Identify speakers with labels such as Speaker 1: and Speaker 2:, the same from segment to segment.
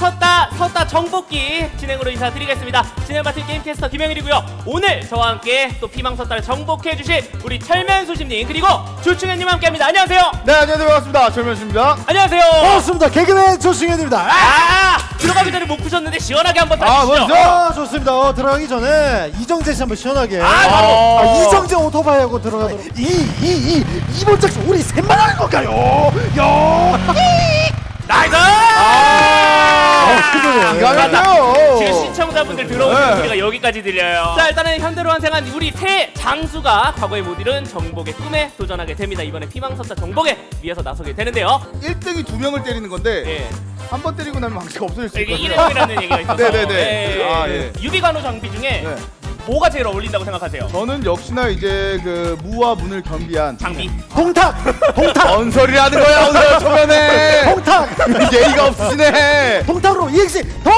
Speaker 1: 섰다 정복기 진행으로 인사드리겠습니다. 진행 맡은 게임캐스터 김영일이고요. 오늘 저와 함께 또 피망 섰다를 정복해 주실 우리 철면수심님 그리고 조충현님 함께합니다. 안녕하세요.
Speaker 2: 네, 안녕하세요. 반갑습니다. 철면수입니다.
Speaker 1: 안녕하세요.
Speaker 3: 반갑습니다. 개그맨 조승현입니다.
Speaker 1: 들어가기 전에 못 푸셨는데 시원하게 한번 타주시죠.
Speaker 2: 먼저
Speaker 3: 좋습니다. 들어가기 전에 이정재 씨 한번 시원하게.
Speaker 1: 바로.
Speaker 3: 이정재 오토바이하고 들어가도록. 이번 작품 우리 셋만 하는 건가요?
Speaker 1: 나이스!
Speaker 2: 기가 막혀요.
Speaker 1: 지금 시청자분들 들어오는 소리가 여기까지 들려요. 자, 일단은 현대로 환생한 우리 새 장수가 과거에 못 이룬 정복의 꿈에 도전하게 됩니다. 이번에 피망섰다 정복에 위해서 나서게 되는데요.
Speaker 2: 1등이 2명을 때리는 건데
Speaker 1: 예.
Speaker 2: 한 번 때리고 나면 방식이 없어질 수
Speaker 1: 이게
Speaker 2: 있거든요.
Speaker 1: 일회용이라는 얘기가 있어서.
Speaker 2: 네네네.
Speaker 1: 예. 유비간호 장비 중에
Speaker 2: 네.
Speaker 1: 뭐가 제일 어울린다고 생각하세요?
Speaker 2: 저는 역시나 이제 그 무와 문을 겸비한
Speaker 1: 장비.
Speaker 3: 동탁.
Speaker 2: 언설이라는 거야. 언설 초면에
Speaker 3: 동탁.
Speaker 2: 예의가 없으시네.
Speaker 3: 동탁으로 EX 동.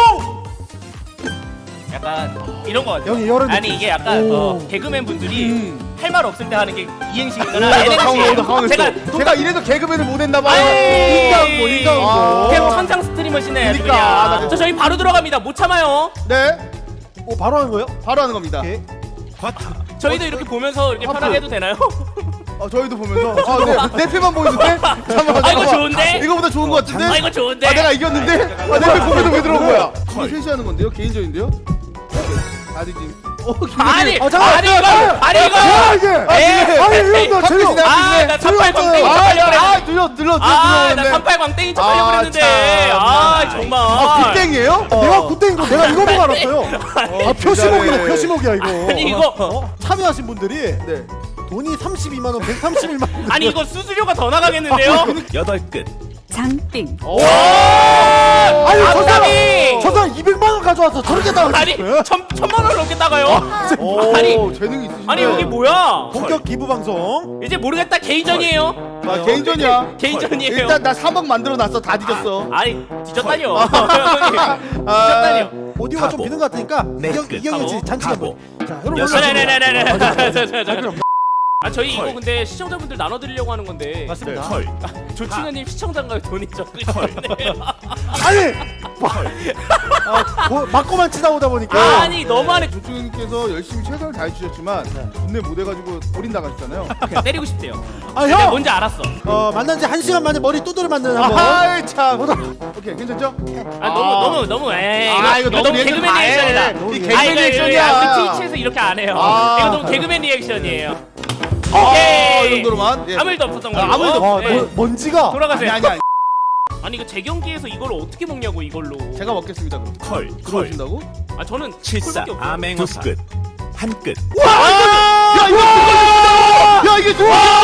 Speaker 1: 약간 이런 거 같아요.
Speaker 3: 여기 이런
Speaker 1: 아니
Speaker 3: 느낌.
Speaker 1: 이게 약간
Speaker 3: 오.
Speaker 1: 개그맨 분들이 할 말 없을 때 하는 게 이행식이거나
Speaker 2: 강원했어. 제가 이래서 개그맨을 못 했나 봐요.
Speaker 1: 인간고 그냥 천상 스트리머시네. 아주
Speaker 2: 그러니까.
Speaker 1: 그냥. 저 저희 바로 들어갑니다. 못 참아요.
Speaker 2: 네,
Speaker 3: 바로 하는 거예요?
Speaker 2: 바로 하는 겁니다.
Speaker 3: 오케이.
Speaker 1: 저희도 이렇게 보면서 이렇게 편하게 해도 되나요?
Speaker 2: 저희도 보면서 내 패만 보여줄게. 잠깐만.
Speaker 1: 아, 이거 좋은데?
Speaker 2: 이거보다 좋은 거 같은데?
Speaker 1: 아 이거 좋은데?
Speaker 2: 내가 이겼는데? 내 패 보면서 왜 들어온 거야? 우리 셋이 하는 건데요? 개인전인데요? 다들 지금
Speaker 1: 아니
Speaker 3: 잠깐만.
Speaker 1: 아니 이거
Speaker 3: 이게.
Speaker 1: 에이,
Speaker 3: 이거 제요.
Speaker 1: 나 38 광땡이 척하려고
Speaker 2: 눌러.
Speaker 1: 나 38 광땡이 척하려고 그랬는데 정말
Speaker 2: 굿땡이에요?
Speaker 3: 내가 굿땡인 거 내가 이거 보고 알았어요. 표시목이야 이거.
Speaker 1: 아니 이거
Speaker 3: 참여하신 분들이
Speaker 2: 네.
Speaker 3: 돈이 32만 원, 131만 원.
Speaker 1: 아니 이거 수수료가 더 나가겠는데요?
Speaker 4: 8끝
Speaker 5: 장빙.
Speaker 3: 아니
Speaker 1: 앞담이!
Speaker 3: 저 사람 200만 원 가져와서 저렇게 나가.
Speaker 1: 아니 천만 원 넘게 나가요? 아니
Speaker 2: 재능이 있으시네.
Speaker 1: 아니 여기 뭐야?
Speaker 3: 본격 기부 방송.
Speaker 1: 이제 모르겠다 개인전이에요.
Speaker 2: 개인전이야.
Speaker 1: 개인전이에요.
Speaker 2: 일단 나 3억 만들어 놨어. 다 뒤졌어.
Speaker 1: 아니 뒤졌다니요. 뒤졌다니요.
Speaker 3: 오디오가 좀 비는 것 같으니까 이경현 씨 잔치가 뭐. 자, 여러분
Speaker 1: 네네네네네. 아 저희 이거 근데 시청자분들 나눠드리려고 하는 건데
Speaker 3: 맞습니다.
Speaker 1: 조충현님 시청자인가요? 돈이 적으시네요.
Speaker 3: 아니 맞고만 치다 오다 보니까
Speaker 1: 아니 너무하네.
Speaker 2: 조충님께서 열심히 최선을 다해주셨지만 돈내 못해가지고 어린 나가셨잖아요.
Speaker 1: 그냥 때리고 싶대요.
Speaker 3: 아
Speaker 1: 내가
Speaker 3: 형!
Speaker 1: 뭔지 알았어.
Speaker 3: 만난 지 1시간 만에 머리 두드려 맞는 한번.
Speaker 2: 아이 참. 오케이 괜찮죠?
Speaker 1: 아 너무
Speaker 2: 이거 너무
Speaker 1: 개그맨
Speaker 2: 리액션 다 해.
Speaker 1: 리액션이다.
Speaker 2: 이 개그맨 리액션이야.
Speaker 1: 우리 트위치에서 이렇게 안 해요.
Speaker 2: 아.
Speaker 1: 이거 너무 개그맨 리액션이에요.
Speaker 2: 이
Speaker 1: 오케이.
Speaker 2: 정도로만. 예.
Speaker 1: 아무 일도 없었던 걸로.
Speaker 2: 아무 일도 없-
Speaker 1: 네.
Speaker 3: 먼지가
Speaker 1: 돌아가세요.
Speaker 2: 아니.
Speaker 1: 아니 이거 재경기에서 이걸 어떻게 먹냐고 이걸로.
Speaker 2: 제가 먹겠습니다 그럼.
Speaker 4: 콜
Speaker 2: 들어오신다고?
Speaker 1: 아 저는
Speaker 4: 74
Speaker 1: 콜밖에 없어요.
Speaker 4: 암행어사 2끝 1끝
Speaker 2: 야 이게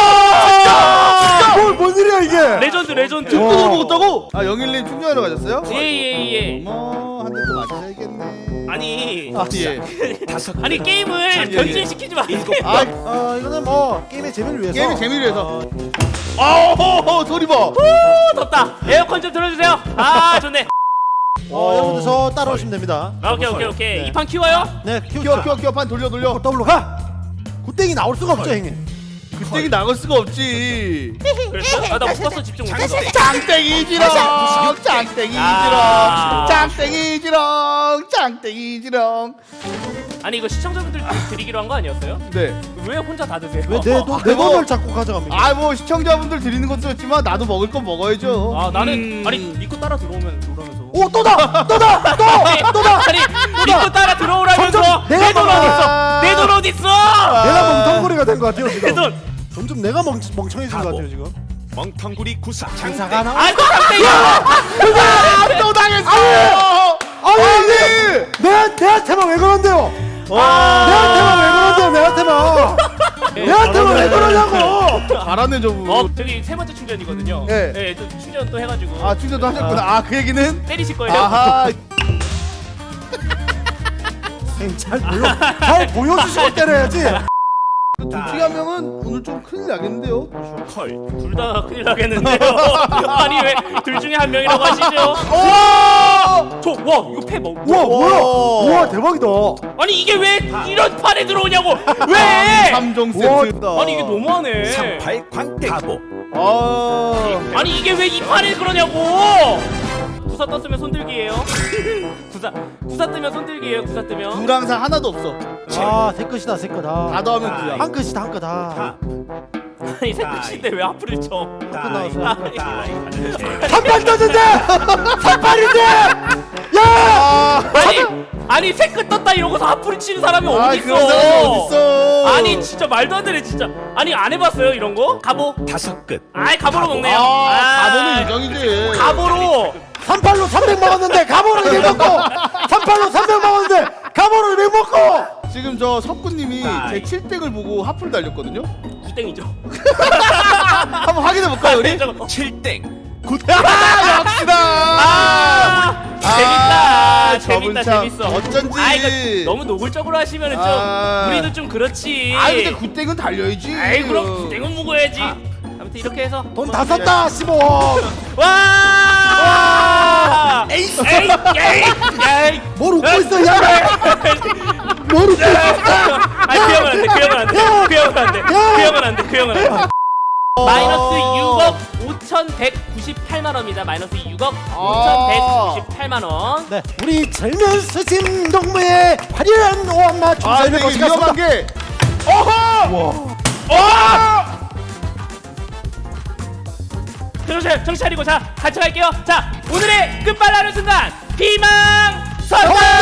Speaker 3: 뭔 일이야 이게?
Speaker 1: 레전드.
Speaker 2: 뜯어 먹었다고? 아 영일님 충전하러 가셨어요?
Speaker 1: 예예예.
Speaker 2: 어머 한 대 또 맞으셔야겠네.
Speaker 1: 아니
Speaker 2: 예.
Speaker 4: 다섯
Speaker 1: 아니 게임을
Speaker 2: 예.
Speaker 1: 변질시키지 마세요.
Speaker 3: 이거는 뭐 게임의 재미를 위해서.
Speaker 2: 게임의 재미를 위해서. 아우 소리 봐.
Speaker 1: 덥다. 에어컨 좀 틀어주세요. 아 좋네.
Speaker 3: 여러분들 저 따라오시면 됩니다.
Speaker 1: 오케이.
Speaker 3: 네.
Speaker 1: 이 판 키워요?
Speaker 3: 네,
Speaker 2: 키워 판 돌려.
Speaker 3: 더블로 가. 굿땡이 나올 수가 없죠 형님.
Speaker 2: 그때기 나갈 수가 없지.
Speaker 1: 그랬어? 아나 못 봤어 집중 못해서.
Speaker 2: 짱땡이지롱
Speaker 1: 아.
Speaker 2: 짱땡이지롱.
Speaker 1: 아니 이거 시청자분들 드리기로 한 거 아니었어요?
Speaker 2: 네.
Speaker 1: 왜 혼자 다 드세요?
Speaker 3: 왜 내 돈을 자꾸 가져갑니까?
Speaker 2: 아 뭐 시청자분들 드리는 것도 좋지만 나도 먹을 건 먹어야죠.
Speaker 1: 아 나는 아니 니꺼 따라 들어오면 들어오면서.
Speaker 3: 오 또다.
Speaker 1: 아니 니꺼 따라 들어오라면서.
Speaker 3: 점점 내가
Speaker 1: 내 돈
Speaker 3: 먹어.
Speaker 1: 어딨어? 내 돈 어딨어?
Speaker 3: 내가 멍텅구리가 된 것 같아요
Speaker 1: 내
Speaker 3: 지금.
Speaker 1: 돈.
Speaker 3: 점점 내가 멍청해진 것 같아요 지금.
Speaker 4: 멍텅구리 구사
Speaker 3: 장사가 나.
Speaker 1: 아또 깜짝이야.
Speaker 2: 또 당했어.
Speaker 3: 아니 내한테만 왜 그런데요? 내한테만 왜 그러냐고.
Speaker 2: 잘하네 저분.
Speaker 1: 저기 세 번째 충전이거든요.
Speaker 2: 네.
Speaker 1: 네, 또 충전 또 해가지고.
Speaker 2: 아 충전도 하셨구나. 아 그 얘기는.
Speaker 1: 때리실 거예요.
Speaker 2: 아하.
Speaker 3: 잘 보여주시고 때려야지.
Speaker 2: 둘 중에 한 명은 오늘 좀 큰일 나겠는데요.
Speaker 4: 콜
Speaker 1: 둘 다 큰일 나겠는데요. 아니 왜 둘 중에 한 명이라고 하시죠? 와 이거 패 먹.
Speaker 3: 우와 뭐야? 우와 대박이다.
Speaker 1: 아니 이게 왜 이런 판에 들어오냐고? 왜?
Speaker 2: 3종 세트다.
Speaker 1: 아니 이게 너무하네.
Speaker 4: 38 광택 가보
Speaker 2: 아.
Speaker 1: 아니 이게 왜 이 판에 그러냐고? 구사 떴으면 손들기예요. 구사 뜨면 손들기예요. 구사 뜨면.
Speaker 2: 구랑사 하나도 없어.
Speaker 3: 아, 새 끝이다, 새 끝.
Speaker 2: 다
Speaker 3: 아,
Speaker 2: 더하면 구야.
Speaker 3: 한 끝이다, 한 끝. 아.
Speaker 4: 탑
Speaker 1: 아니 새끝인데 왜 하프를 쳐?
Speaker 4: 다이
Speaker 1: 아니,
Speaker 4: 다이
Speaker 3: 한판 떴는데! 3판인데! 야!
Speaker 1: 아니 새끝 떴다 이러고서 하프를 치는 사람이
Speaker 2: 아,
Speaker 1: 어디
Speaker 2: 그런 사람이
Speaker 1: 있어?
Speaker 2: 어딨어?
Speaker 1: 아니 진짜 말도 안 되네 진짜. 아니 안 해봤어요 이런 거? 가보.
Speaker 4: 5끝
Speaker 1: 아이 가보로 먹네요.
Speaker 2: 가보는 유정이지.
Speaker 1: 가보로.
Speaker 3: 3팔로 300 먹었는데 가보를 1 먹고 3팔로 300 먹었는데 가보를 1 먹고
Speaker 2: 지금 저 석구님이 제 7땡을 보고 하프를 달렸거든요.
Speaker 1: 구땡이죠.
Speaker 2: 한번 확인해 볼까요, 우리?
Speaker 4: 7땡
Speaker 2: 역시다.
Speaker 1: 재밌다.
Speaker 2: 저분
Speaker 1: 재밌다.
Speaker 2: 참
Speaker 1: 재밌어.
Speaker 2: 어쩐지.
Speaker 1: 아 이거 너무 노골적으로 하시면은 좀 우리도 좀 그렇지.
Speaker 2: 아 근데 굿땡은 달려야지.
Speaker 1: 아이 그럼 구땡은 먹어야지. 아무튼 이렇게 해서
Speaker 3: 돈 다 썼다 15억
Speaker 1: 와!
Speaker 3: 에이스
Speaker 1: 에이! 에이!
Speaker 3: 뭘 웃고 있어 야 뭘 웃고 있어
Speaker 1: 아니 그 형은 안 돼. 그 형은 안 돼. 그 형은 안 돼. 그 형은 안 돼. 그 형은 안 돼. 마이너스 6억 5,198만 원입니다. 마이너스 6억 5,198만 원.
Speaker 3: 네, 우리 절면 수심 동무의 화려한 오한마
Speaker 2: 아
Speaker 3: 춤사위를
Speaker 2: 근데 이게
Speaker 3: 거치겠습니다
Speaker 2: 위험한 게. 어허.
Speaker 1: 정신 차리고 자 같이 갈게요. 자 오늘의 끝발라는 순간 비망 선언.